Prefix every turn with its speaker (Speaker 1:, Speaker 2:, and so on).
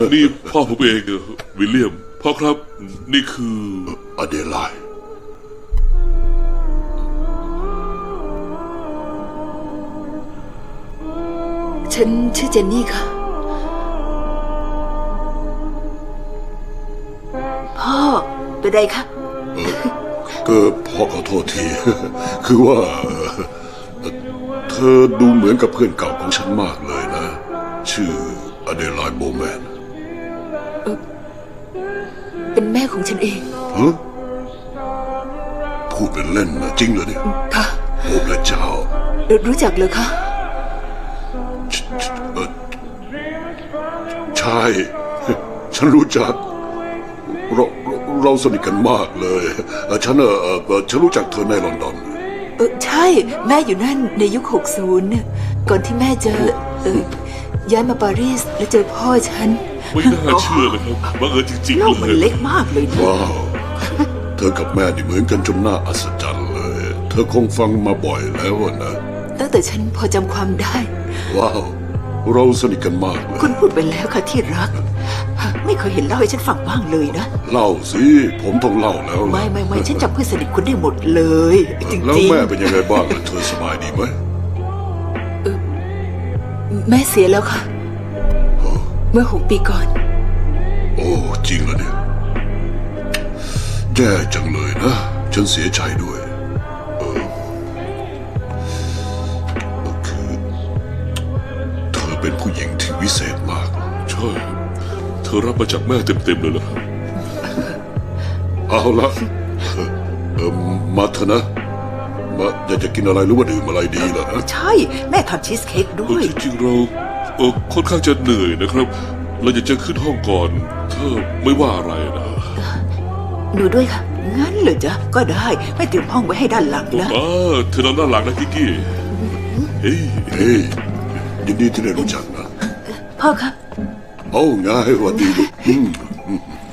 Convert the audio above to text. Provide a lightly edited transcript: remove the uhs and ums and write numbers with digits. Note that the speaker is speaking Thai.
Speaker 1: นี่พ่อผมเองวิลเลียมพ่อครับนี่คือ
Speaker 2: อเดไลด์
Speaker 3: ฉันชื่อเจนนี่ค่ะพ่อเป็นไรคะ
Speaker 2: ก็พ่อขอโทษที คือว่าเธอดูเหมือนกับเพื่อนเก่าของฉันมากเลยนะ ชื่ออเดไลด์โบแมน
Speaker 3: เป็นแม่ของฉันเอง
Speaker 2: ฮะพูดเป็นเล่นนะจริงเหรอเนี่ย
Speaker 3: ค่ะ
Speaker 2: โอ้พระเจ้า
Speaker 3: รู้จักเลยคะ
Speaker 2: ใช่ ฉันรู้จักเราสนิทกันมากเลยฉันรู้จักเธอในลอนดอน
Speaker 3: ใช่แม่อยู่นั่นในยุค60เนี่ยก่อนที่แม่จะย้ายมาปารีสแล้วเจอพ่อฉัน
Speaker 1: ไม่น่าเชื่อเลยครับบังเอิญจริงๆ
Speaker 3: โลกมันเล็กมากเลยนะ
Speaker 2: ว้าวเธอกับแม่นี่เหมือนกันจนน่าอัศจรรย์เลย เธอคงฟังมาบ่อยแล้วนะ
Speaker 3: ตั้งแต่ฉันพอจำความได้
Speaker 2: ว้าวเราสนิทกันมากเลย
Speaker 3: คุณพูดไปแล้วค่ะที่รักไม่เคยเห็นเล่าให้ฉันฟังบ้างเลยนะ
Speaker 2: เล่าสิผมต้องเล่าแล้ว
Speaker 3: ไม่ฉันจำเพื่อนสนิทคุณได้หมดเลยจริงๆ
Speaker 2: แล้วแม่เป็นยังไงบ้างเธอสบายดีไหม
Speaker 3: แม่เสียแล้วค่ะเมื่อ6 ปีก่อน
Speaker 2: โอ้จริงเหรอเนี่ยแย่จังเลยนะฉันเสียใจด้วยคือเธอเป็นผู้หญิงที่วิเศษมาก
Speaker 1: ใช่เธอรับมาจากแม่เต็มๆเลยเหรอครับ
Speaker 2: เอาละมาเถอะนะมาอยากจะกินอะไรหรือว่าดื่มอะไรดีล่ะนะ
Speaker 3: ใช่แม่ทำชีสเค้กด้วย
Speaker 1: จริงๆเราค่อนข้างจะเหนื่อยนะครับเราอยากจะขึ้นห้องก่อนเธอไม่ว่าอะไรนะ
Speaker 3: หนูด้วยค่ะงั้นเหรอจ๊ะก็ได้ไม่เตรียมห้องไว้ให้ด้านหลังนะ
Speaker 1: เธอนอนด้านหลังนะกิกกี้
Speaker 2: เฮ้ยยินดีที่ได้รู้จักนะ
Speaker 3: พ่อครับ
Speaker 2: โอ้ง่ายวันดีลูก